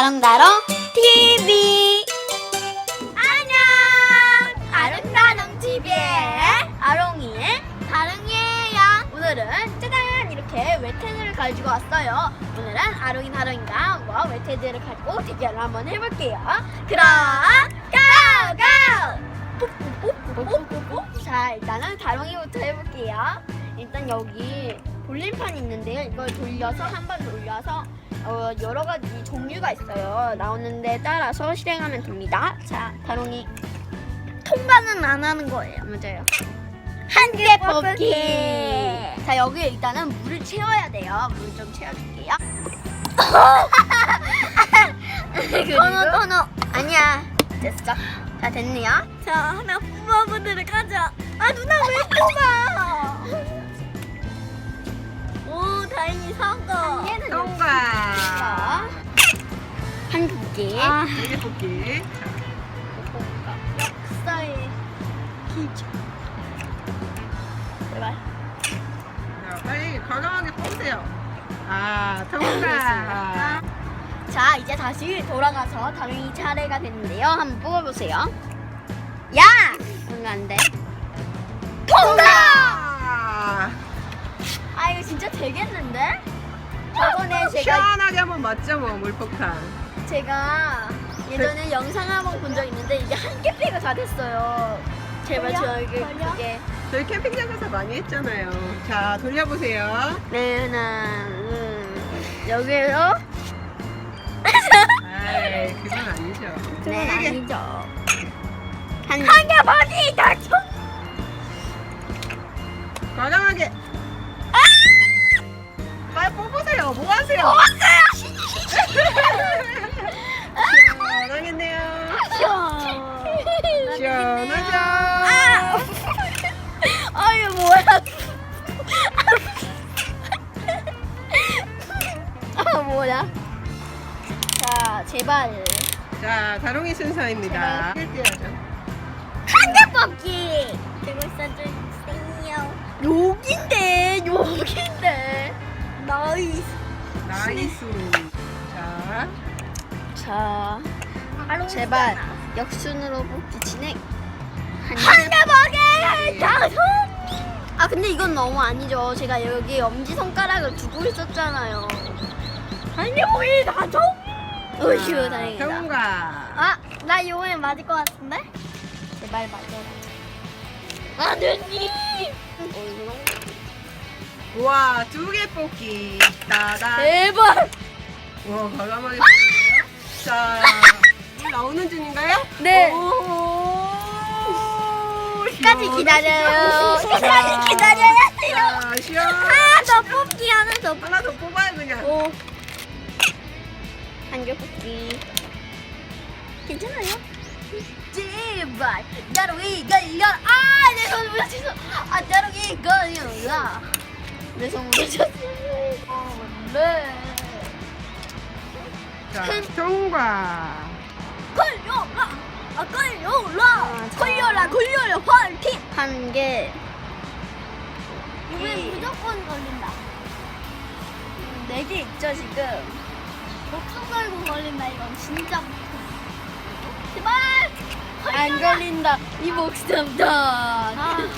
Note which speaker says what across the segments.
Speaker 1: 다롱다롱 TV. 안녕, 아름다롱 TV의 아롱이의 다롱이에요. 오늘은 짜잔 이렇게 웨테드를 가지고 왔어요. 오늘은 아롱이 다롱이가 한번 웨테드를 가지고 대결을 한번 해볼게요. 그럼 고고! 자, 일단은 다롱이부터 해볼게요. 일단 여기 볼림판이 있는데요. 이걸 돌려서 한 번 돌려서 여러 가지 종류가 있어요. 나오는 데 따라서 실행하면 됩니다. 자, 다롱이 통과는 안 하는 거예요. 맞아요. 한 개 뽑기. 자, 여기 일단은 물을 채워야 돼요. 물 좀 채워줄게요. 토노 아니야. 됐어. 자, 됐네요. 자, 하나 뽑아보도록 하죠. 아, 누나 왜 뽑아? 오, 다행히 성공.
Speaker 2: 통과.
Speaker 1: 한 뽑기.
Speaker 2: 네개 뽑기.
Speaker 1: 역사의 기적. 제발.
Speaker 2: 자, 빨리 과감하게 뽑으세요. 통과.
Speaker 1: 자, 이제 다시 돌아가서 다롱이 차례가 됐는데요. 한번 뽑아보세요. 야! 뭔가 안 돼. 통과! 아, 이거 진짜 되겠는데? 저번에
Speaker 2: 시원하게 한번 맞죠, 뭐 물폭탄.
Speaker 1: 제가 예전에 영상 한번 본 적 있는데 이게 한 개 빼고 다 됐어요. 제발 그게.
Speaker 2: 저희 캠핑장에서 많이 했잖아요. 자, 돌려보세요.
Speaker 1: 네, 여기에요?
Speaker 2: 아이, 그건 아니죠.
Speaker 1: 네,
Speaker 2: 네 개.
Speaker 1: 아니죠. 한 개 버디 다 총.
Speaker 2: 과감하게. 빨리 뽑으세요. 뭐 하세요? 시원하겠네요. 시원하죠?
Speaker 1: 아, 이거 뭐야? 아, 뭐야? 자, 제발.
Speaker 2: 자, 다롱이 순서입니다.
Speaker 1: 한 개 뽑기. 들고 있어주세요. 여긴데. 나이스.
Speaker 2: 나이스. 자,
Speaker 1: 자, 제발 역순으로 뽑기 진행. 한 개 뽑기. 다섯. 아, 근데 이건 너무 아니죠. 제가 여기 엄지 손가락을 두고 있었잖아요. 한 개 뽑기 다섯. 으휴, 다행이다.
Speaker 2: 통과.
Speaker 1: 아, 나 이번에 맞을 것 같은데? 제발 맞아라. 아드님!
Speaker 2: 우와, 2개 뽑기. 따다.
Speaker 1: 제발!
Speaker 2: 와, 과감하게 뽑네요. 자, 물 나오는 중인가요?
Speaker 1: 네.
Speaker 2: 오,
Speaker 1: 끝까지 기다려요. 끝까지 기다려야 돼요.
Speaker 2: 자, 시원.
Speaker 1: 하나 더 뽑기, 하나 더 뽑기.
Speaker 2: 하나 더 뽑아요, 그냥.
Speaker 1: 오. 한 개 뽑기. 괜찮아요? 제발. 다롱이 걸려. 아, 내 손 부러졌어. 아, 다롱이 걸려. 내 손 부러졌어. 네.
Speaker 2: 자, 통과.
Speaker 1: 걸려라. 아, 걸려라. 걸려라. 화이팅. 한 개.
Speaker 3: 이번엔 무조건 걸린다.
Speaker 1: 4개 있죠, 지금.
Speaker 3: 목숨 걸고 걸린다 이건 진짜.
Speaker 1: 제발. 안 걸린다. 이 목숨 다.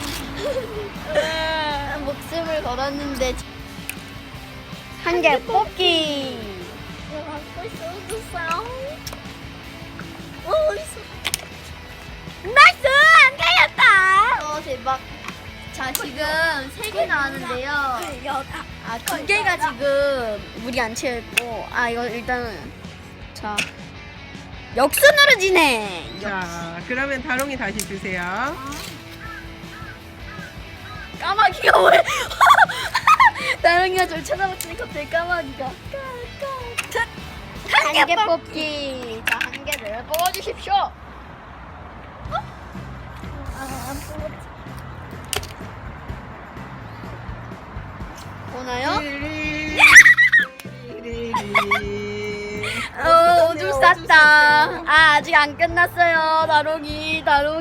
Speaker 1: 목숨을 걸었는데 한 개 뽑기.
Speaker 3: 이거 갖고 있어줬어요. 오 있어.
Speaker 1: 나이스! 안 걸렸다. 대박. 자, 지금 3개 나왔는데요.
Speaker 3: 걸려라.
Speaker 1: 아, 2개가 지금 물이 안 채웠고, 아, 이거 일단은 자, 역순으로 진행.
Speaker 2: 자, 그러면 다롱이 다시 주세요.
Speaker 1: 까마귀가 왜? 다롱이가 절 쳐다봤으니 갑자기 까마귀가. 한 개 뽑기. 자, 한 개를 뽑아주십시오.
Speaker 3: 안 뽑았지.
Speaker 1: 보나요?
Speaker 2: 띠리리.
Speaker 1: 오줌 쌌다. 아, 아직 안 끝났어요. 다롱이.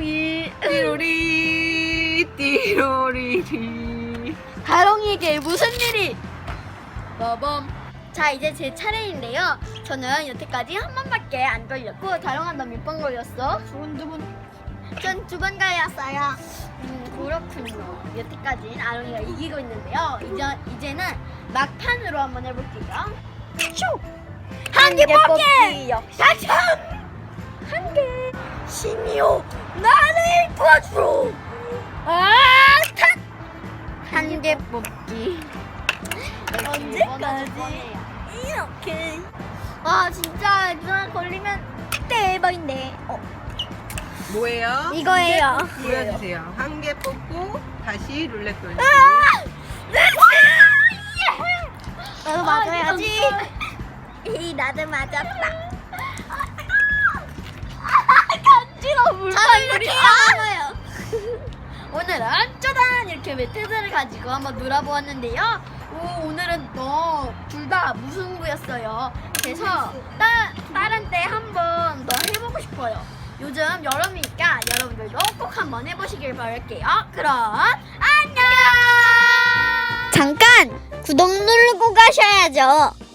Speaker 2: 띠로리 띠로리리.
Speaker 1: 다롱이에게 무슨 일이? 빠밤. 자, 이제 제 차례인데요. 저는 여태까지 한 번밖에 안 걸렸고, 다롱아 너 몇 번 걸렸어?
Speaker 3: 두 번.
Speaker 1: 전 두 번 걸렸어요. 그렇군요. 여태까지는 아롱이가 이기고 있는데요. 이제는 막판으로 한번 해볼게요. 슈! 한 개 뽑기! 당첨! 한 개! 신이요, 나를 도와줘! 한 개 뽑기.
Speaker 3: 언제까지? 이렇게.
Speaker 1: 아, 진짜 누나 걸리면 대박인데.
Speaker 2: 뭐예요?
Speaker 1: 이거예요.
Speaker 2: 보여주세요. 한 개 뽑고 다시 룰렛 돌리기.
Speaker 1: 나도 맞아야지. 나도 맞았다. 간지러워. 물방울이 나와요. 오늘은 짜잔 이렇게 매트들을 가지고 한번 놀아보았는데요. 오늘은 둘 다 무승부였어요. 그래서 다른 때 한번 더 해보고 싶어요. 요즘 여름이니까 여러분들도 꼭 한번 해보시길 바랄게요. 그럼 안녕.
Speaker 3: 잠깐 구독 누르고 가셔야죠.